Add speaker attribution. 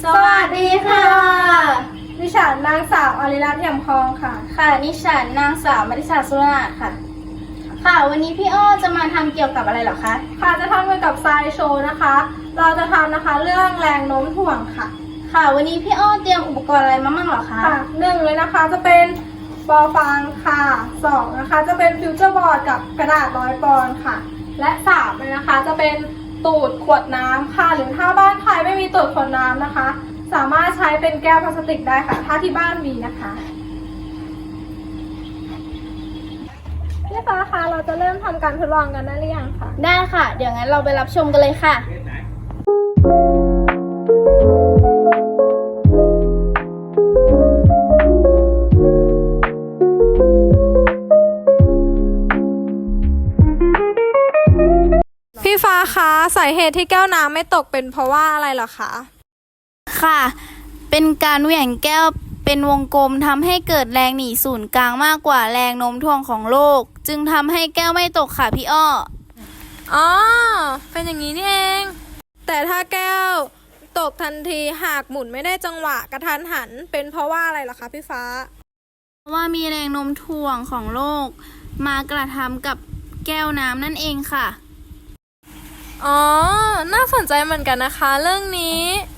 Speaker 1: สวัสดีค่ะ
Speaker 2: ดิฉันนางสาวอริรัตน์เอี่ยมทองค่ะ
Speaker 1: ค่ะดิฉันนางสาวมริษาสุรนาถค่ะ ค่ะวันนี้พี่อ้อจะมาทำเกี่ยวกับอะไรเหรอคะ
Speaker 2: ค่ะจะทำเกี่ยวกับไซโชว์นะคะ เราจะทำนะคะเรื่องแรงโน้มถ่วงค่ะ
Speaker 1: ค่ะวันนี้พี่อ้อเตรียมอุปกรณ์อะไรมาบ้างเหรอคะ
Speaker 2: ค่ะหนึ่งเลยนะคะจะเป็นบอลฟางค่ะสองนะคะจะเป็นฟิวเจอร์บอร์ดกับกระดาษ100 ปอนด์ค่ะ และสามเลยนะคะจะเป็นตูดขวดน้ำค่ะหรือถ้าบ้านใครไม่มีตูดขวดน้ำนะคะ สามารถใช้เป็นแก้วพลาสติกได้ค่ะ ถ้าที่บ้านมีนะคะพี่ฟ้าคะเราจะเริ่มทำการทดลองกันได้หรือยังคะ
Speaker 1: ได้ค่ะ เดี๋ยวงั้นเราไปรับชมกันเลยค่ะ
Speaker 2: พี่ฟ้าคะสาเหตุที่แก้วน้ำไม่ตกเป็นเพราะว่าอะไรเหรอคะ
Speaker 1: ค่ะ เป็นการเหวี่ยงแก้วเป็นวงกลมทำให้เกิดแรงหนีศูนย์กลางมากกว่าแรงโน้มถ่วงของโลก จึงทำให้แก้วไม่ตกค่ะพี่อ้อ
Speaker 2: อ๋อเป็นอย่างนี้นี่เองแต่ถ้าแก้วตกทันทีหากหมุนไม่ได้จังหวะกระทันหันเป็นเพราะว่าอะไรเหรอคะพี่ฟ้า
Speaker 1: เพราะว่ามีแรงโน้มถ่วงของโลกมากระทำกับแก้วน้ำนั่นเองค่ะ
Speaker 2: อ๋อน่าสนใจเหมือนกันนะคะเรื่องนี้